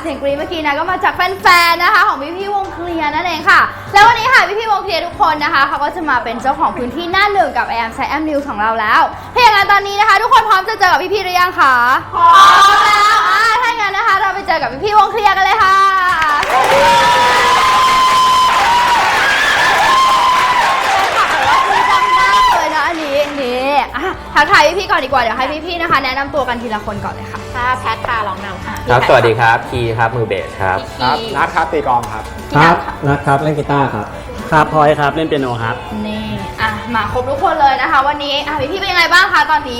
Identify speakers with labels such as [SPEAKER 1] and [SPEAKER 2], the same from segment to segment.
[SPEAKER 1] สียงกรี๊ดเมื่อกี้นะก็มาจากแฟนๆนะคะของพี่วงเคลียร์นั่นเองค่ะแล้ววันนี้ค่ะพี่วงเคลียร์ทุกคนนะคะเขาก็จะมาเป็นเจ้าของพื้นที่หน้าหนึ่งกับ AM Siam News ของเราแล้วถ้าอย่างนั้นตอนนี้นะคะทุกคนพร้อมจะเจอกับพี่หรือยังคะพร้อมแล้วถ้าอย่างนั้นนะคะเราไปเจอกับพี่วงเคลียร์กันเลยค่ะทักทายพี่ๆก่อนดีกว่าเดี๋ยวให้พี่ๆนะคะแนะนำตัวกันทีละคนก่อนเลยค่ะ
[SPEAKER 2] แพทค่ะร้องนำค่ะ
[SPEAKER 3] ครับสวัสดีครับคีครับมือเบสครับ
[SPEAKER 4] นัทครับตีกลองครับ
[SPEAKER 5] ครับนัทครับเล่นกีตาร์ครับ
[SPEAKER 6] ครับพลอยครับเล่นเปียโนครับ
[SPEAKER 1] นี่มาครบทุกคนเลยนะคะวันนี้พี่ๆเป็นยังไงบ้างคะตอนนี้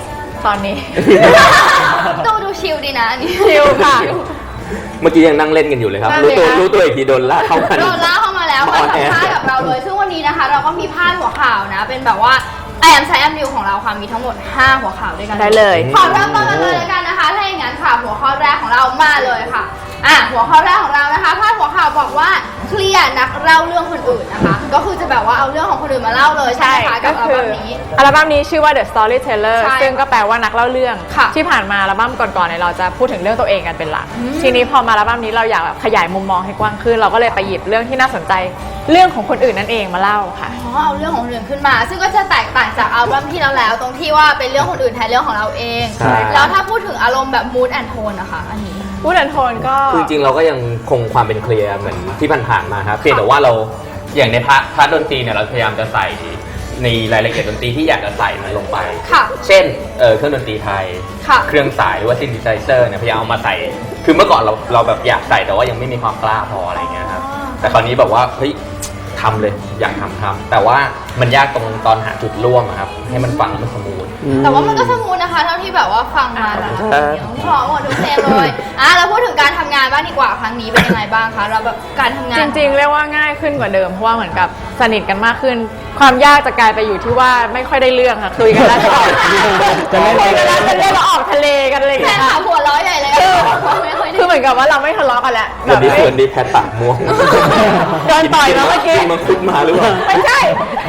[SPEAKER 1] ดูชิลดีนะนี่
[SPEAKER 2] ชิลค่ะ
[SPEAKER 3] เมื่อกี้ยังนั่งเล่นกันอยู่เลยครับรู้ตัวอีกทีโดนลากเข้ามา
[SPEAKER 1] แล้วมาสัมภาษณ์กับเราเลยซึ่งวันนี้นะคะเราก็มีพาดหัวข่าวนะเป็นแบบว่าAM Siam News ของเราค่ะมีทั้งหมด5หัวข่าวด้วยกัน
[SPEAKER 2] ได้เลย
[SPEAKER 1] ขอเริ่มต้นกันเลยกันนะคะถ้าอย่างนั้นค่ะหัวข้อแรกของเรามาเลยค่ะหัวข้อแรกของเรานะคะพาดหัวข่าวบอกว่าเคลียร์นักเล่าเรื่องคนอื่นนะคะก็คือจะแบบว่าเอาเรื่องของคนอื่นมาเล่าเลยใช่ไหมคะกับอัลบั้มนี้
[SPEAKER 2] ชื่อว่า The Storyteller ซึ่งก็แปลว่านักเล่าเรื่องที่ผ่านมาอัลบั้มก่อนๆเนี่ยเราจะพูดถึงเรื่องตัวเองกันเป็นหลักทีนี้พอมาอัลบั้มนี้เราอยากแบบขยายมุมมองให้กว้างขึ้นเราก็เลยไปหยิบเรื่องที่น่าสนใจเรื่องของคนอื่นนั่นเองมาเล่าค่ะ
[SPEAKER 1] เอาเรื่องของคนอื่นขึ้นมาซึ่งก็จะแตกต่างจากอัลบั้มที่แล้วตรงที่ว่าเป็นเรื่องคนอื่นแทนเรื่องของเราเองแล้วถ้าพูดถึงอารมณ์แบบ mood and tone นะคะอันนี้
[SPEAKER 2] มูดแอนโทนก็
[SPEAKER 3] คือจริงเราก็ยังคงความเป็นเคลียร์เหมือนที่ผ่านๆมาครับเพียงแต่ว่าเราอย่างในพาร์ทดนตรีเนี่ยเราพยายามจะใส่ในรายละเอียดดนตรีที่อยากจะใส่มันลงไปเช่นเครื่องดนตรีไทยเครื่องสายหรือว่าซินธิไซเซอร์เนี่ยพยายามเอามาใส่คือเมื่อก่อนเราแบบอยากใส่แต่ว่ายังไม่มีความกล้าพออะไรเงี้ยครับแต่คราวนี้แบบว่าเฮ้ยทำเลยอยากทำแต่ว่ามันยากตรงตอนหาจุดร่วมครับให้มันฟังแล้วมันสมูท
[SPEAKER 1] แต่ว่ามันก็สมูทนะคะเท่าที่แบบว่าฟังมาแล้วพอหมดทุกเพลงเลยแล้วพูดถึงการทำงานบ้างดีกว่าครั้งนี้เป็นยังไงบ้างคะเราแบบการทำงาน
[SPEAKER 2] จริงๆเรียกว่าง่ายขึ้นกว่าเดิมเพราะว่าเหมือนกับสนิทกันมากขึ้นความยากจะกลายไปอยู่ที่ว่าไม่ค่อยได้เรื่องค่ะคุยกันแล้วจะเรียกว่าออกทะเลกันเลย
[SPEAKER 1] แค่ขาหัวร้อยใหญ่เลย
[SPEAKER 2] คือเหมือนกับว่าเราไม่ทะเลาะกันแล้ว
[SPEAKER 3] วันนี้แพทปากม่วง
[SPEAKER 2] โดนต่อยมาเมื่อกี้
[SPEAKER 3] มันคุดมาหรือเปล่า
[SPEAKER 2] ไม่ใช่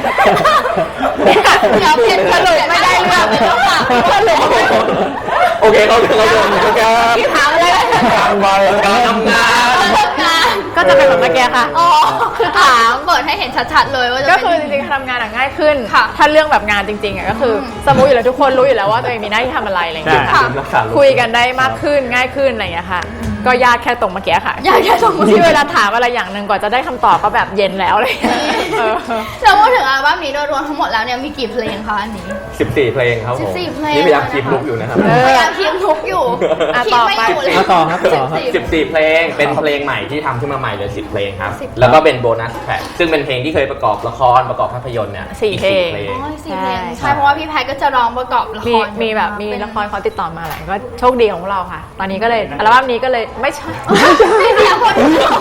[SPEAKER 1] เดี๋ยวเปลี่ยนสรุปไม่ได้เรื่องไม่ต้องฝาก
[SPEAKER 3] โอเคเขา
[SPEAKER 2] ที่ถามอะไร
[SPEAKER 3] การทำงาน
[SPEAKER 2] ก็จะเป็นแบบเมื่อกี้ค่ะ
[SPEAKER 1] คือถามเปิดให้เห็นชัดๆเลยว่า
[SPEAKER 2] ก็คือจริงๆทำงานง่ายขึ้นถ้าเรื่องแบบงานจริงๆก็คือสมมุติอยู่แล้วทุกคนรู้อยู่แล้วว่าตัวเองมีหน้าที่ทำอะไรอะไรอย่างเงี้ยคุยกันได้มากขึ้นง่ายขึ้นอะไรอย่างเงี้ยค่ะก็ยากแค่ตรงเมื่อกี้ค่ะ
[SPEAKER 1] ยากแค่ตรง
[SPEAKER 2] ที่เวลาถามอะไรอย่างหนึ่งกว่าจะได้คำตอบก็แบบเย็นแล้วเลย
[SPEAKER 1] แล้วพูดถึงอัลบั้มนี้โดยรวมทั้งหมดแล้วเนี่ยมีกี่เพลงคะอันนี้
[SPEAKER 3] 14เพลงครับผมนี่พยายามคีบลุกอยู่นะครับ
[SPEAKER 1] พยายามคีบลุกอยู่
[SPEAKER 2] ต่อไป
[SPEAKER 5] ต่อครับ
[SPEAKER 3] 14เพลงเป็นเพลงใหม่ที่ทำขึ้นมาใหม่เลย10เพลงครับแล้วก็เป็นโบนัสแทร็กซึ่งเป็นเพลงที่เคยประกอบละครประกอบภาพยนตร์เนี่ย
[SPEAKER 2] 4เพลง
[SPEAKER 1] ใช่เพราะว่าพี่แพทก็จะร้องประกอบละคร
[SPEAKER 2] มีแบบมีละครเขาติดต่อมาหลายก็โชคดีของเราค่ะตอนนี้ก็เลยอัลบั้มนี้ก็เลยไม่ใช่
[SPEAKER 1] ไม่เสียคน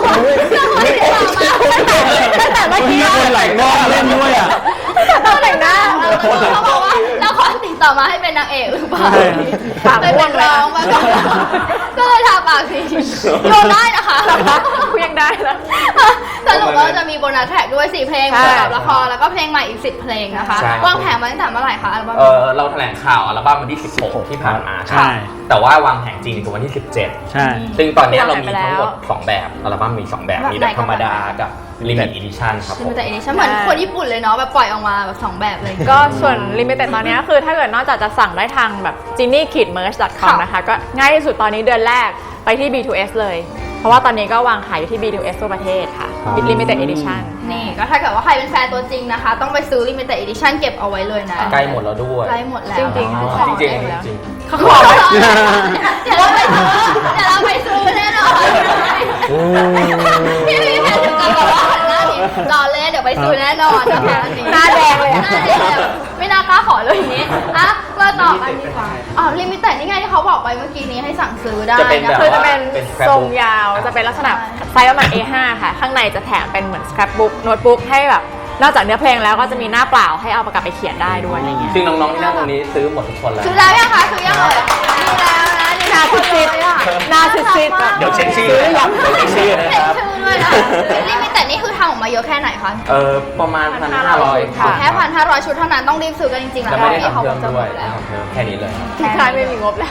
[SPEAKER 2] แต่เมื่อกี้
[SPEAKER 5] คนไหลงอเล่นด้วย
[SPEAKER 2] ต้องแต่งหน้า
[SPEAKER 1] เขาบอกว่าละครติดต่อมาให้เป็นนางเอกหรือเปล่าเป็นนักร้องมาก่อนก็เลยทาปากสีโยนได้นะคะ
[SPEAKER 2] คุยยังได้แล้ว
[SPEAKER 1] สรุปว่าจะมีโบนัสแทร็กด้วย4เพลงประกอบละครแล้วก็เพลงใหม่อีก10เพลงนะคะวางแผนมาตั้งแต่เมื่อไหร่คะอัลบั้ม
[SPEAKER 3] เราแถลงข่าวอัลบั้มวันที่16ที่ผ่านมาใช่แต่ว่าวางแผนจริงคือวันที่17
[SPEAKER 5] ใช่
[SPEAKER 3] ซึ่งตอนนี้เรามีทั้งหมด2แบบอัลบั้มมี2แบบมีแบบธรรมดากับLimited Edition ครับ
[SPEAKER 1] Limited Edition เหมือนคนญี่ปุ่นเลยเนาะแบบปล่อยออกมาแบบ2แบบเลย
[SPEAKER 2] ก็ส่วน Limited ตอนนี้คือถ้าเกิดนอกจากจะสั่งได้ทางแบบ jinny-merch.com นะคะก็ง่ายที่สุดตอนนี้เดือนแรกไปที่ B2S เลยเพราะว่าตอนนี้ก็วางขายอยู่ที่ B2S ทั่วประเทศค่ะ Limited Edition
[SPEAKER 1] นี่ก็ถ้าเกิดว่าใครเป็นแฟนตัวจริงนะคะต้องไปซื้อ Limited Edition เก็บเอาไว้เลยนะ
[SPEAKER 3] ใกล้หมดแล้วด้วย
[SPEAKER 1] ใกล้หมดแล้ว
[SPEAKER 2] จริง
[SPEAKER 1] เขาขอเดี๋ยวเราไปซื้อแน่นอนพี่แพทถึงกับบอกว่าหันหน้านี้รอเล่นเดี๋ยวไปซื้อแน่นอนนะคะ
[SPEAKER 2] หน้าแดงเลย
[SPEAKER 1] ไม่น่ากล้าขอเลยอย่างนี้มาต่อกันดีกว่าLimited นี่ไงที่เขาบอกไปเมื่อกี้นี้ให้สั่งซื้อได้
[SPEAKER 2] คือจะเป็นทรงยาวจะเป็นลักษณะไซส์ประมาณ A5 ค่ะข้างในจะแถมเป็นเหมือน scrapbook โน้ตบุ๊กให้แบบนอกจากเนื้อเพลงแล้วก็จะมีหน้าเปล่าให้เอาประกอบไปเขียนได้ด้วยอะไรเงี้ย
[SPEAKER 3] ซึ่งน้องๆที่นั่งตรงนี้ซื้อหมดทุกคนแล้ว
[SPEAKER 1] ซื้อแล้วยังคะซื้อยังเลยซื้อแล้วนะนี่นาซิด
[SPEAKER 2] นาซิด
[SPEAKER 3] เดี๋ยวเช็คชื่อนะครับ
[SPEAKER 1] Limited นี่คือทำออกมาเยอะแค่ไหนคะ
[SPEAKER 3] ประมาณ 1,500
[SPEAKER 1] ขอแค่ 1,500 ชุดเท่านั้นต้องรีบซื้อกันจริงๆ
[SPEAKER 3] แล้วไม่ได้
[SPEAKER 1] พี่
[SPEAKER 3] ทำ
[SPEAKER 1] เขา
[SPEAKER 3] เพิ่
[SPEAKER 1] ค
[SPEAKER 3] ม
[SPEAKER 1] งจะห
[SPEAKER 3] ด้
[SPEAKER 1] ม
[SPEAKER 3] วย
[SPEAKER 1] ดแล้ว
[SPEAKER 3] แค่นี้เลย
[SPEAKER 2] ที่คลายไม่มีงบแล้ว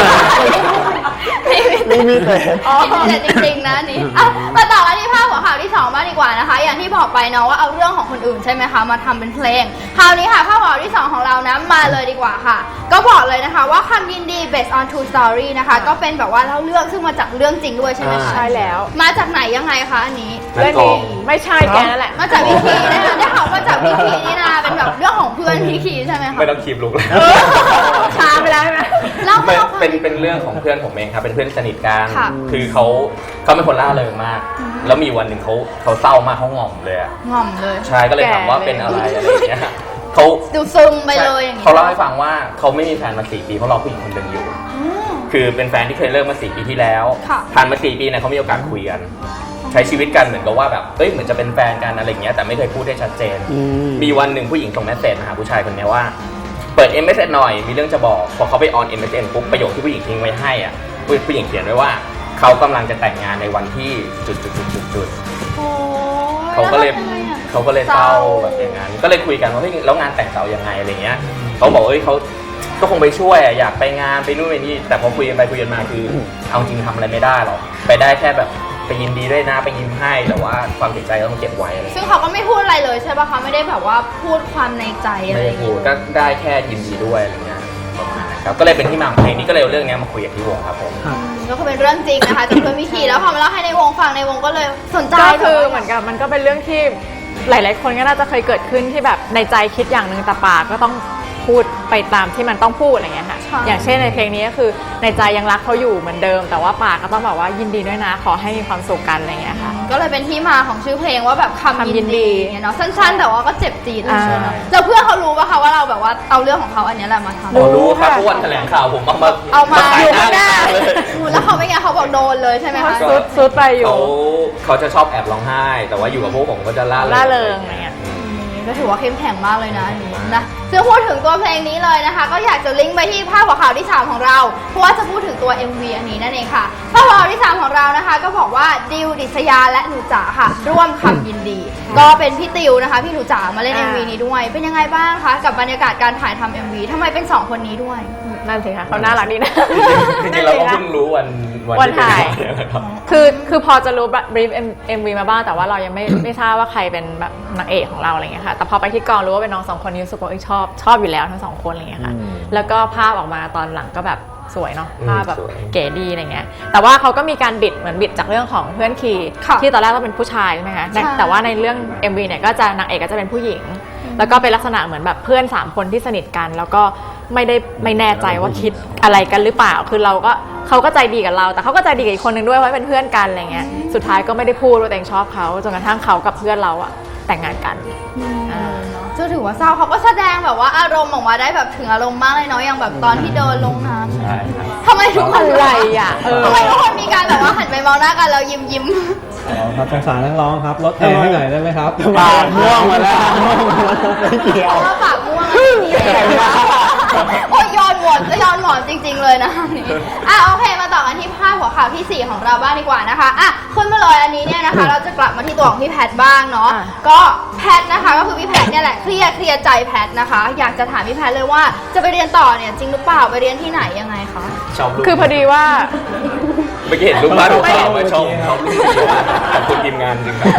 [SPEAKER 5] ไม่มีแต่
[SPEAKER 1] แต่จริงๆนะนี่มาต่อกันที่ภาพหัวข่าวที่2บ้างดีกว่านะคะ อย่างที่บอกไปเนาะว่าเอาเรื่องของคนอื่นใช่ไหมคะมาทำเป็นเพลงคราวนี้ค่ะภาพหัวข่าวที่2ของเรานะมาเลยดีกว่าค่ะ ก็บอกเลยนะคะว่าคำยินดี based on true story นะคะก็เป็นแบบว่าเล่าเรื่องซึ่งมาจากเรื่องจริงด้วยใช่ไหม
[SPEAKER 2] ใช่แล้ว
[SPEAKER 1] มาจากไหนยังไงคะอันนี้
[SPEAKER 2] เรื่องนี้ไม่ใช่แกนั่นแหละ
[SPEAKER 1] มาจากวิคีนะคะได้ข่าวมาจากวิคีนี่นะเป็นแบบเรื่องของเพื่อนวิคีใช่ไหมคะ
[SPEAKER 3] ไม่ต้องคีบลุกแล้ว
[SPEAKER 2] ช้าไปแล้วใช่ไหม
[SPEAKER 1] เล่า
[SPEAKER 3] เป็นเรื่องของเพื่อนผมเองครับเป็นเพื่อนสนิทกัน
[SPEAKER 1] ค่ะ
[SPEAKER 3] คือเขาเป็นคนล่าเริงมาก แล้วมีวันหนึ่งเขาเศร้ามากเขาหง่อมเลยอะ
[SPEAKER 1] ง่อมเลย
[SPEAKER 3] ใช่ก็เลยถามว่าเป็นอะไรอะไรอย่างเงี้ยเขา
[SPEAKER 1] ดูซึมไปเลยอย่างนี้
[SPEAKER 3] เขาเล่าให้ฟังว่าเขาไม่มีแฟนมา4 ปีเพราะรอผู้หญิงคนหนึ่งอยู่ คือเป็นแฟนที่เคยเลิกมา4 ปีที่แล้ว
[SPEAKER 1] ค่ะ
[SPEAKER 3] ผ่านมา4 ปีเนี่ยเขามีโอกาสคุยกัน ใช้ชีวิตกันเหมือนกับว่าแบบเอ้ยเหมือนจะเป็นแฟนกันอะไรอย่างเงี้ยแต่ไม่เคยพูดได้ชัดเจน มีวันหนึ่งผู้หญิงส่งเมสเซจมาหาผู้ชายคนนี้ว่าเปิด MSN หน่อยมีเรื่องจะบอกพอเขาไปออน MSN ปุ๊บประโยคที่ผู้หญิงทิ้งไว้ให้อ่ะผู้หญิงเขียนไว้ว่าเขากำลังจะแต่งงานในวันที่จุด
[SPEAKER 1] โอ้ย
[SPEAKER 3] เขาก็เลย
[SPEAKER 1] แวทำไงอะ
[SPEAKER 3] เศร้าแบบอย่างนั้นก็เลยคุยกันว่าเฮ้ยแล้วงานแต่งเขายังไงอะไรเงี้ยเขาบอกเอ้ยเขาก็คงไปช่วยอะอยากไปงานไปนู่นไปนี่แต่พอคุยกันไปคุยกันมาคือเอาจริงทำอะไรไม่ได้หรอกไปได้แค่แบบไปยินดีด้วยนะไปยิ้มให้แต่ว่าความเสียใจก็ต้องเก็บไว้อะไร
[SPEAKER 1] ซึ่งเขาก็ไม่พูดอะไรเลยใช่ป่ะคะไม่ได้แบบว่าพูดความในใจอะไร
[SPEAKER 3] ไม่
[SPEAKER 1] อ
[SPEAKER 3] ได้
[SPEAKER 1] ย่าง
[SPEAKER 3] พู
[SPEAKER 1] งี้
[SPEAKER 3] ดก็ได้แค่ยินดีด้วยอะไรเงี้ยประมาณนั้นครับก็เลยเป็นที่มาของเพลงนี้ก็เลยเอาเรื่องนี้มาคุยกับพี่วงครับผม
[SPEAKER 1] ก็คือเป็นเรื่องจริงนะคะจากเพื่อนวิคีแล้วพอมาเล่าให้ในวงฟังในวงก็เลยสนใจ
[SPEAKER 2] ก็คือเหมือนกับมันก็เป็นเรื่องที่หลาย ๆ คนก็น่าจะเคยเกิดขึ้นที่แบบในใจคิดอย่างหนึ่งแต่ปากก็ต้องพูดไปตามที่มันต้องพูดอะไรเงี้ยค่ะอย่างเช่นในเพลงนี้ก็คือในใจยังรักเขาอยู่เหมือนเดิม แต่ว่าปากก็ต้องแบบว่ายินดีด้วยนะขอให้มีความสุขกันอะไรเงี้ยค่ะ
[SPEAKER 1] ก็เลยเป็นที่มาของชื่อเพลงว่าแบบคำยิ
[SPEAKER 2] คำยิ
[SPEAKER 1] น
[SPEAKER 2] นดี
[SPEAKER 1] ดีเนี่ยเนาะสั้นๆ แต่ว่าก็เจ็บจี๊ดเลยใช่ไหม
[SPEAKER 2] อ่า
[SPEAKER 1] แล้วเพื่อนเขารู้ป่ะคะว่าเราแบบว่าเอาเรื่องของเขาอันเนี้ยแหละมาทำ
[SPEAKER 3] รู้ครับเพราะวันแถลงข่าวผมเอามา
[SPEAKER 1] อ
[SPEAKER 3] ขาย
[SPEAKER 1] ยู่
[SPEAKER 3] หน้า
[SPEAKER 1] ข้างหน้า
[SPEAKER 3] เลย
[SPEAKER 1] แล้วเขาเป็นไงเขาบอกโดนเลยใช่ไหมคะ
[SPEAKER 2] ซุดไปอยู่
[SPEAKER 3] เขาจะชอบแอบร้องไห้ แต่ว่าอยู่กับพวกผมก็จะล่า
[SPEAKER 2] ล่าเริงอะไรเงี้ย
[SPEAKER 1] ก็ถือว่าเข้มแข็งมากเลยนะอันนี้นะซึ่งพูดถึงตัวเพลงนี้เลยนะคะ ก็อยากจะลิงก์ไปที่ภาพหัวข่าวที่ 3 ของเรา เพราะว่าจะพูดถึงตัว MV อันนี้นั่นเองค่ะภาพหัวข่าวที่ 3 ของเรานะคะ ก็บอกว่าดิวดิษยาและหนูจ๋าค่ะ ร่วมคำยินดี ก็เป็นพี่ติวนะคะพี่หนูจ๋ามาเล่น MV นี้ด้วย เป็นยังไงบ้างคะกับบรรยากาศการถ่ายทำ MV ทำไมเป็น 2 คนนี้ด้วย
[SPEAKER 2] นั่นสิคะเขาน่ารักดีนะ
[SPEAKER 3] จริงๆเราก็เพิ่งรู้วันที่
[SPEAKER 2] วันถ่าย
[SPEAKER 3] เป็นวันครับ
[SPEAKER 2] คือพอจะรู้บรีฟMV มาบ้างแต่ว่าเรายังไม่ทราบว่าใครเป็นแบบนางเอกของเราอะไรเงี้ยค่ะแต่พอไปที่กองรู้ว่าเป็นน้อง2 คนนี้รู้สึกว่าชอบอยู่แล้วทั้ง2 คนอะไรเงี้ยค่ะแล้วก็ภาพออกมาตอนหลังก็แบบสวยเนาะภาพแบบ
[SPEAKER 3] สวย
[SPEAKER 2] เก๋ดีอะไรเงี้ยแต่ว่าเขาก็มีการบิดจากเรื่องของเพื่อนคี
[SPEAKER 1] ค่ะ
[SPEAKER 2] ที่ตอนแรกต้องเป็นผู้ชายใช่ไหมคะ
[SPEAKER 1] ใช่
[SPEAKER 2] แต่ว่าในเรื่อง MV เนี่ยก็จะนางเอกก็จะเป็นผู้หญิง แล้วก็เป็นลักษณะเหมือนแบบเพื่อน3 คนที่สนิทกัน แล้วก็ไม่แน่ใจว่าคิดอะไรกันหรือเปล่าคือเขาก็ใจดีกับเรา แต่เขาก็ใจดีกับอีกคนนึงด้วยเพราะเป็นเพื่อนกันอะไรเงี้ยสุดท้ายก็ไม่ได้พูดว่าตัวเองชอบเขาจนกระทั่งเขากับเพื่อนเราอะแต่งงานกัน
[SPEAKER 1] จะถือว่าเศร้าเขาก็แสดงแบบว่าอารมณ์ออกมาได้แบบถึงอารมณ์มากเลยเนาะอย่างแบบตอนที่เดินลงน้ำ
[SPEAKER 3] ใช่ครับ
[SPEAKER 1] ทำไมทุกคน
[SPEAKER 2] อะไรอ่ะ
[SPEAKER 1] ทำไมทุกคนมีการแบบว่าหันไปมองหน้ากันแล้วยิ้ม
[SPEAKER 5] ครับสงสารนักร้องครับลดแอร์ให้หน่อยได้ไหมครับ
[SPEAKER 6] ปากม่วงมาแล้ว
[SPEAKER 5] ไม่เกี่ยว
[SPEAKER 1] เพราะว่าปากม่วงอันนี้โอ้ยย้อนหมอนจริง ๆเลยนะอันนี้โอเคมาต่อกันที่ภาพหัวข่าวที่ 4 ของเราบ้างดีกว่านะคะขึ้นมาเลยอันนี้เนี่ยนะคะ เราจะกลับมาที่ตัวของพี่แพทบ้างเนาะก็แพทนะคะก็คือพี่แพทเนี่ยแหละเคลียร์ใจแพทนะคะ อยากจะถามพี่แพทเลยว่าจะไปเรียนต่อเนี่ยจริงหรือเปล่าไปเรียนที่ไหนยังไงคะ
[SPEAKER 3] ชอบรูป
[SPEAKER 2] คือพอดีว่า
[SPEAKER 3] เมื่อกี้เห็นรูปบ้านรูปข่าวมาชอบรูปขอบคุณทีมงานจริงครับ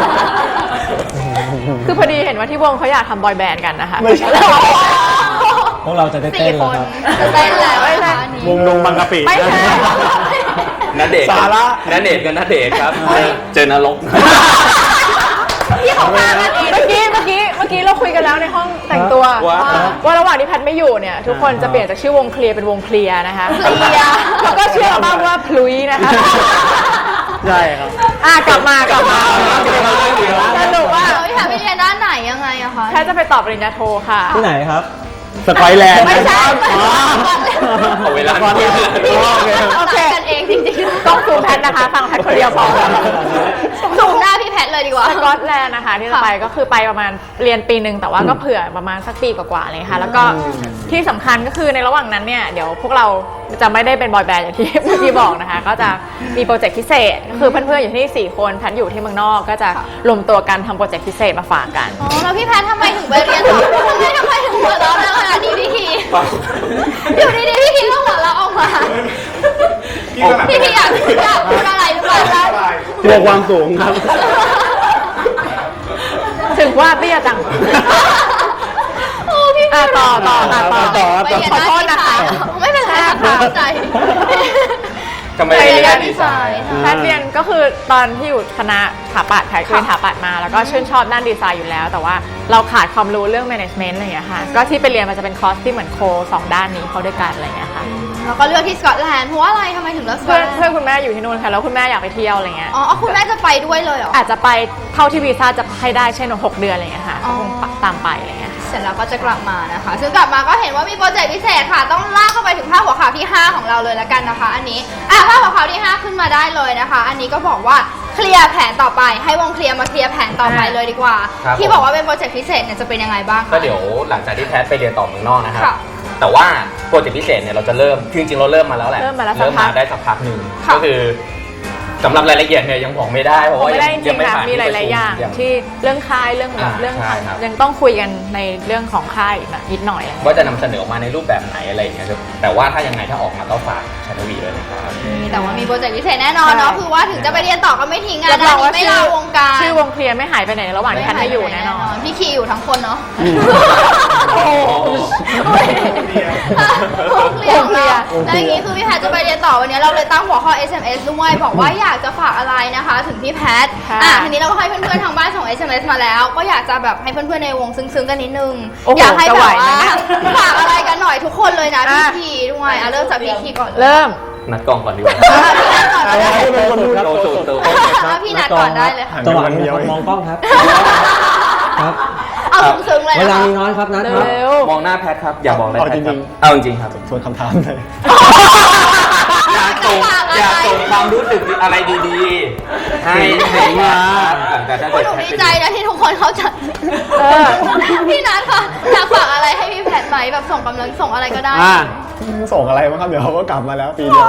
[SPEAKER 2] คือพอดีเห็นว่าที่วงเขาอยากทำบอยแบนด์กันนะคะ
[SPEAKER 5] ไม่ใช่ พวกเราจะได้เต้น
[SPEAKER 1] 4
[SPEAKER 5] แล้
[SPEAKER 1] คว น
[SPEAKER 5] ครับ
[SPEAKER 1] จะเต้นแล้วนะคะอันนี้
[SPEAKER 6] วงลงบางกะปิ
[SPEAKER 2] ไม่ใช่
[SPEAKER 3] ณเดชน์
[SPEAKER 6] สาระ
[SPEAKER 3] ณเดชน์กับณเดชน์ครับเจอนรก
[SPEAKER 1] ที่เขาพากันเอง
[SPEAKER 2] เมื่อกี้เราคุยกันแล้วในห้องแต่งตัว ว่าระหว่างที่แพทไม่อยู่เนี่ยทุกคนจะเปลี่ยนจากชื่อวงเคลียร์เป็นวงเคลียร์นะคะ
[SPEAKER 1] เคลียร์
[SPEAKER 2] แล้วก็ชื่ออัลบั้มว่าพลุยนะคะ
[SPEAKER 6] ใช่ครับ
[SPEAKER 2] กลับมาสรุปว่า
[SPEAKER 1] พี่แพทไปเรียนด้านไหนยังไงอะคะ
[SPEAKER 2] แพทจะไปต่อปริญญาโทค่ะ
[SPEAKER 5] ที่ไหนครับ
[SPEAKER 6] สไปแลนด์
[SPEAKER 2] ไม่ใช่
[SPEAKER 3] เอาเวลา
[SPEAKER 6] ก่อนเนี่ย
[SPEAKER 1] โอเคกันเองจริงๆ
[SPEAKER 2] ต้องซูมแพทนะคะฟังแพทคนเดียวพอ
[SPEAKER 1] สูงหน้าพี่แพทเลยดีกว่า
[SPEAKER 2] สกอตแลนด์นะคะที่จะไปก็คือไปประมาณเรียนปีหนึ่งแต่ว่าก็เผื่อประมาณสักปีกว่าๆเลยค่ะแล้วก็ที่สำคัญก็คือในระหว่างนั้นเนี่ยเดี๋ยวพวกเราจะไม่ได้เป็นบอยแบนด์อย่างที่เมื่อกี้บอกนะคะก็จะมีโปรเจกต์พิเศษก็คือเพื่อนๆอยู่ที่นี่4คนแพทอยู่ที่เมืองนอกก็จะรวมตัวกันทำโปรเจกต์พิเศษมาฝากกัน
[SPEAKER 1] อ๋อแล้วพี่แพททำไมถึงไปเรียนต่อทำไมถึงหัวเราะขนาดนี้พี่คีอยู่ดีๆพี่คีก็หัวเราะออกมาพี่คีอยากพูดอะไรหรือเปล่า
[SPEAKER 6] กลัวความสูงครับ
[SPEAKER 2] ถึงว่าเตี้ยจัง
[SPEAKER 1] โอ้พี่
[SPEAKER 2] ต่อ
[SPEAKER 1] ไปเรียน
[SPEAKER 2] ขอโทษนะคะ
[SPEAKER 1] ไม่เป็นไรค่ะเข้าใจ
[SPEAKER 3] ทำไม
[SPEAKER 1] ไป
[SPEAKER 3] เรี
[SPEAKER 1] เรี
[SPEAKER 3] ย
[SPEAKER 1] ย
[SPEAKER 3] น
[SPEAKER 1] น
[SPEAKER 3] ดี
[SPEAKER 1] ดี
[SPEAKER 3] ไซ
[SPEAKER 1] ไซ
[SPEAKER 3] น์
[SPEAKER 1] น์
[SPEAKER 2] แพทย์เรียนก็คือตอนที่อยู่คณะสถาปัตย์แพทย์เรียนสถาปัตย์มาแล้วก็ชื่นชอบด้านดีไซน์อยู่แล้ว แต่ว่าเราขาดความรู้เรื่อง management อะไรอย่างเงี้ยค่ะก็ที่ไปเรียนมันจะเป็นคอร์สที่เหมือนโค2ด้านนี้เข้าด้วยกันอะไรอย่างเงี้ยค่ะ
[SPEAKER 1] แล้วก็เลือกที่สกอตแลนด์เพราะว่าอะไรทำไมถึงเลือกสกอ
[SPEAKER 2] เพื่
[SPEAKER 1] ต
[SPEAKER 2] อน
[SPEAKER 1] แลนด์
[SPEAKER 2] เพื่อนคุณแม่อยู่ที่นู่นค่ะแล้วคุณแม่อยากไปเที่ยวอะไรเงี้ย
[SPEAKER 1] อ๋อคุณแม่จะไปด้วยเลยเหรอ
[SPEAKER 2] อาจจะไปเท่าที่วีซ่าจะให้ได้เช่น6 เดือนอะไรเงี้ยค่ะ
[SPEAKER 1] อ๋อ
[SPEAKER 2] ก็คงตามไปอะไรเงี้ย
[SPEAKER 1] เสร็จแล้วก็จะกลับมานะคะ ซึ่งกลับมาก็เห็นว่ามีโปรเจกต์พิเศษค่ะ ต้องลากเข้าไปถึงภาพหัวข่าวที่ 5 ของเราเลยละกันนะคะ อันนี้ภาพหัวข่าวที่ 5 ขึ้นมาได้เลยนะคะ อันนี้ก็บอกว่าเคลียร์แผนต่อไปให้วงเคลียร์มาเคลียร์แผนต่อไปเลยดีกว่า ที่บอกว่าเป็นโปรเจกต์พิเศษเนี่ยจะเป็นยังไงบ้างคะ
[SPEAKER 3] ก็เดี๋ยวหลังจากที่แพทไปเรียนต่อเมืองนอกนะครับ
[SPEAKER 1] ค่ะ
[SPEAKER 3] แต่ว่าโปรเจกต์พิเศษเนี่ยเราจะเริ่มจริงๆเราเริ่มมาแล้วแหละ
[SPEAKER 2] เริ่มมาแล้วสักพัก
[SPEAKER 3] ได้สักพักหนึ่ง
[SPEAKER 1] ค่ะ
[SPEAKER 3] ก็คือสำหรับรายละเอียดเนี่ยยังบอกไม่ได้เพราะว่า
[SPEAKER 2] ไม่ได้จริ
[SPEAKER 3] ยัง
[SPEAKER 2] ง
[SPEAKER 3] ไม่
[SPEAKER 2] ๆนะ
[SPEAKER 3] ผ่าน
[SPEAKER 2] มีหลายๆอย่างที่เรื่องค่ายเรื่องแบบเรื่อง
[SPEAKER 3] ใช่ครับ
[SPEAKER 2] ยังต้องคุยกันในเรื่องของค่ายอีกนะนิดหน่อยอะไรเงี้ย
[SPEAKER 3] ว่าจะนำเสนอออกมาในรูปแบบไหนอะไรอย่างเงี้ยครับแต่ว่าถ้ายังไงถ้าออกมาก็ฝากชาโนวีด้วยนะครับ
[SPEAKER 1] แต่ว่ามีโปรเจกต์พิเศษแน่นอนเนาะ
[SPEAKER 2] ใช่
[SPEAKER 1] คือว่าถึงจะไปเรียนต่อก็ไม่ทิ้งงาน
[SPEAKER 2] รับรองว่า
[SPEAKER 1] ไม่ลาวงการ
[SPEAKER 2] ชื่อวงเคลียร์ไม่หายไปไหนระหว่างที่แพทไม่อยู่แน่นอน
[SPEAKER 1] พี่คีอยู่ทั้งคนเนาะ
[SPEAKER 3] โอ้โห
[SPEAKER 1] วงเคลียร์ของเราแล้วอย่างนี้คือพี่แพทจะไปเรียนต่อวันนี้เราเลยตั้งหัวข้อ SMS ด้วยบอกว่าอยากจะฝากอะไรนะคะ ถึงพี่แพท
[SPEAKER 2] ค่ะ
[SPEAKER 1] ทีนี้เราก็ให้เพื่อนๆทางบ้านส่ง SMS มาแล้ว ก็อยากจะแบบให้เพื่อนๆในวงซึ้งๆกันนิดนึง
[SPEAKER 2] โอ้โห
[SPEAKER 1] อยากให้
[SPEAKER 2] จะ
[SPEAKER 1] แบ
[SPEAKER 2] ไหว
[SPEAKER 1] บ
[SPEAKER 2] ไหม
[SPEAKER 1] ว่า
[SPEAKER 2] เนี่ย
[SPEAKER 1] ฝากอะไรกันหน่อยทุกคนเลยนะพี่
[SPEAKER 2] อ่ะ
[SPEAKER 1] คีด้วยเริ่มจากพี่คีก่อนเลย
[SPEAKER 2] เริ่ม
[SPEAKER 3] นัดกล้องก่อนดีกว่า
[SPEAKER 1] พี่นัทก่อนได้
[SPEAKER 6] เป็นคนพูด
[SPEAKER 3] โตสุดโต
[SPEAKER 1] พี่นัทก่อนได้เลยค่ะ
[SPEAKER 5] จังหวะนี้นะครับมองกล้องครับครับ
[SPEAKER 1] เอาซึ้งๆเลย
[SPEAKER 5] เว
[SPEAKER 1] นะ
[SPEAKER 5] ลา
[SPEAKER 1] คะ
[SPEAKER 5] มีน้อยครับนัดครับ
[SPEAKER 2] เร็ว
[SPEAKER 3] มองหน้าแพทครับอย่าบอกอะไร
[SPEAKER 6] เอา
[SPEAKER 3] แพท
[SPEAKER 6] จ
[SPEAKER 3] ค
[SPEAKER 6] ริ
[SPEAKER 3] รับ
[SPEAKER 6] ง
[SPEAKER 3] เอาจริงๆครับ
[SPEAKER 6] ชวนคำถามเลย
[SPEAKER 3] อยากส่งความรู้สึกอะไรดีๆให้มาหลังจากถ้า
[SPEAKER 1] คุ
[SPEAKER 3] เกิ
[SPEAKER 1] ณ
[SPEAKER 3] ด
[SPEAKER 1] หนู
[SPEAKER 3] แพท
[SPEAKER 1] ดี
[SPEAKER 3] ไป
[SPEAKER 1] ใจนะที่ทุกคนเข้าใจ พี่นัทค่ะอยากฝากอะไรให้พี่แพทไหมแบบส่งกำลังส่งอะไรก็ได้
[SPEAKER 6] ส่งอะไรบ้างครับเดี๋ยวเขาก็กลับมาแล้วปีเดียว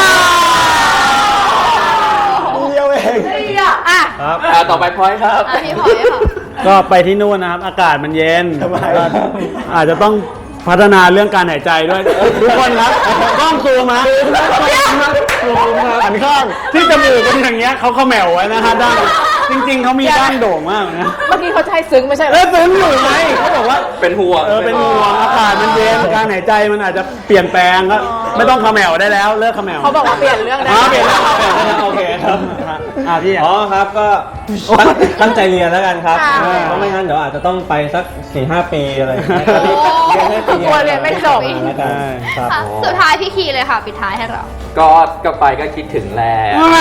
[SPEAKER 6] ปีเดียวเอง
[SPEAKER 1] อ่ะ
[SPEAKER 5] ครับ
[SPEAKER 3] ต่อไปพลอยครับ
[SPEAKER 1] พี่พลอยค่ะ
[SPEAKER 4] ก็ไปที่นู่นนะครับ อากาศมันเย็น
[SPEAKER 6] ทำไม
[SPEAKER 4] ก็อาจจะต้องพัฒนาเรื่องการหายใจด้วยทุกคนครับกล้องซูมมาหันข้างที่จมูกเป็นอย่างเงี้ยเขาเขม่วไว้นะฮะด้านจริงๆเขามีด้านโด่งมากนะ
[SPEAKER 2] เมื่อกี้เขาจะให้ซึ้งไม่ใช่เหร
[SPEAKER 4] แล้
[SPEAKER 2] อ
[SPEAKER 4] วซึ้งอยู่ไหมเขาบอกว่า
[SPEAKER 3] เป็นห่วง
[SPEAKER 4] เป็นห่วงอากาศมันเย็นการหายใจมันอาจจะเปลี่ยนแปลงก็ไม่ต้องเขม่วได้แล้วเลิกเขม่ว
[SPEAKER 2] เขาบอกว่าเปลี่ยนเรื่องได้
[SPEAKER 4] เปลี่ยนแล้วโอเคครับพี่
[SPEAKER 5] อ๋อครับก็ตั้งใจเรียนแล้วกันครับ
[SPEAKER 1] ค่ะ
[SPEAKER 5] เพราะไม่งั้นเดี๋ยวอาจจะต้องไปสัก 4-5 ปีอะไรอย่างเงี้ยเรียนให้ปี
[SPEAKER 2] กลัวเรียนไม่จบ
[SPEAKER 5] แล้วกันครับ
[SPEAKER 1] ค่ะสุดท้ายพี่คีเลยค่ะ ปิดท้ายให้เรา
[SPEAKER 3] ก็ไปก็คิดถึงแหละ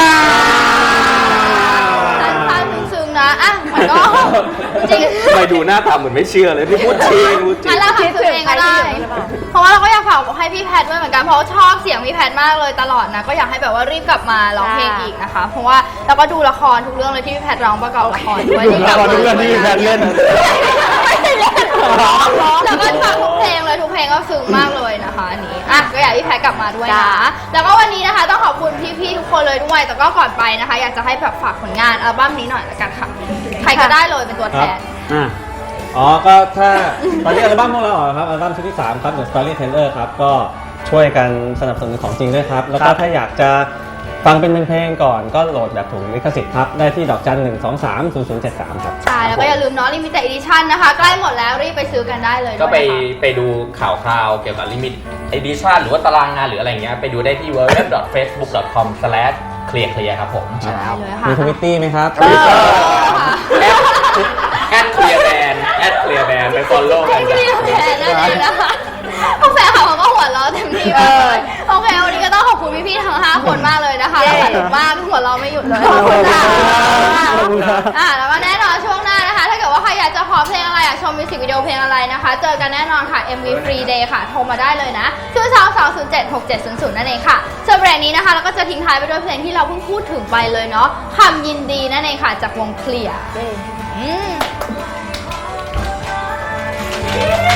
[SPEAKER 1] ท่านซึ้งๆนะอ่ะมันก็จริง
[SPEAKER 3] ทำไมดูหน้าตาเหมือนไม่เชื่อเลยที่พูดจริงพูดจริ
[SPEAKER 1] งั้
[SPEAKER 3] ง
[SPEAKER 1] นเราทำซึ้งเองก็ได้ เพราะว่าเราก็อยากฝากให้พี่แพทด้วยเหมือนกันเพราะว่าชอบเสียงพี่แพทมากเลยตลอดนะก็อยากให้แบบว่ารีบกลับมาร้องเพลงอีกนะคะ เพราะว่าเราก็ดูละครทุกเรื่องเลยที่พี่แพทร้องประกอบละครด้วย
[SPEAKER 4] ดูละครทุกเรื่องที่พี่แพทเล่น
[SPEAKER 1] ไม่ได้เล่นแล้วก็ฝากทุกเพลงเลยทุกเพลงก็ซึ้งมากเลยนะคะอันนี้อ่ะก็อยากให้พี่แพทกลับมาด้วยนะแล้วก็วันนี้นะคะต้องขอบคุณพี่ๆทุกคนเลยด้วยแต่ก็ก่อนไปนะคะ อยากจะให้แบบฝากผลงานอัลบั้มนี้หน่อยละกันค่ะใครก็ได้เลยเป็นตัวแทน
[SPEAKER 5] อ๋อ ก็ถ้าตอนนี้อัลบั้มพวกเราออกครับ อัลบั้มชุดที่ 3 ครับ The Storyteller ครับ ก็ช่วยกันสนับสนุนของจริงด้วยครับ แล้วก็ถ้าอยากจะฟังเป็นเพลงๆก่อนก็โหลดแบบถูกลิขสิทธิ์ครับ ได้ที่1230073 ครับ
[SPEAKER 1] ใช่แล้วก็อย่าลืมเนาะ Limited Edition นะคะ ใกล้หมดแล้วรีบไปซื้อกันได้เลย
[SPEAKER 3] ก็
[SPEAKER 1] ด้วยนะคะ
[SPEAKER 3] ไปดูข่าวคราวเกี่ยวกับ Limit Edition หรือว่าตารางงานหรืออะไรเงี้ยไปดูได้ที่ www.facebook.com/clear ครับผม
[SPEAKER 1] ใช่เลยค่ะ
[SPEAKER 5] มีทวิตตี้ไหมครับ
[SPEAKER 3] @clearband ไป follow กัน
[SPEAKER 1] ไม่
[SPEAKER 3] จ้ะ
[SPEAKER 1] ได้แพ้นั่นเองนะคะพวกแฟนเขาก็หัวเราะเต็มที่มากเลยโอเควันนี้ก็ต้องขอบคุณพี่ๆทั้ง 5 คนมากเลยนะคะสนุกมากหัวเราะไม่หยุดเลยขอบคุณค่ะแล้วก็แน่นอนช่วงหน้านะคะ ถ้าเกิดว่าใครอยากจะขอเพลงอะไรอยากชมมมิวสิกวิดีโอเพลงอะไรนะคะ เจอกันแน่นอนค่ะ MV Free Day ค่ะ โทรมาได้เลยนะ02-207-6700 นั่นเองค่ะส่วนเบรกนี้นะคะเราก็จะทิ้งท้ายไปด้วยเพลงที่เราเพิ่งพูดถึงไปเลยเนาะคำยินดีนั่นเองค่ะจากวงเคลียร์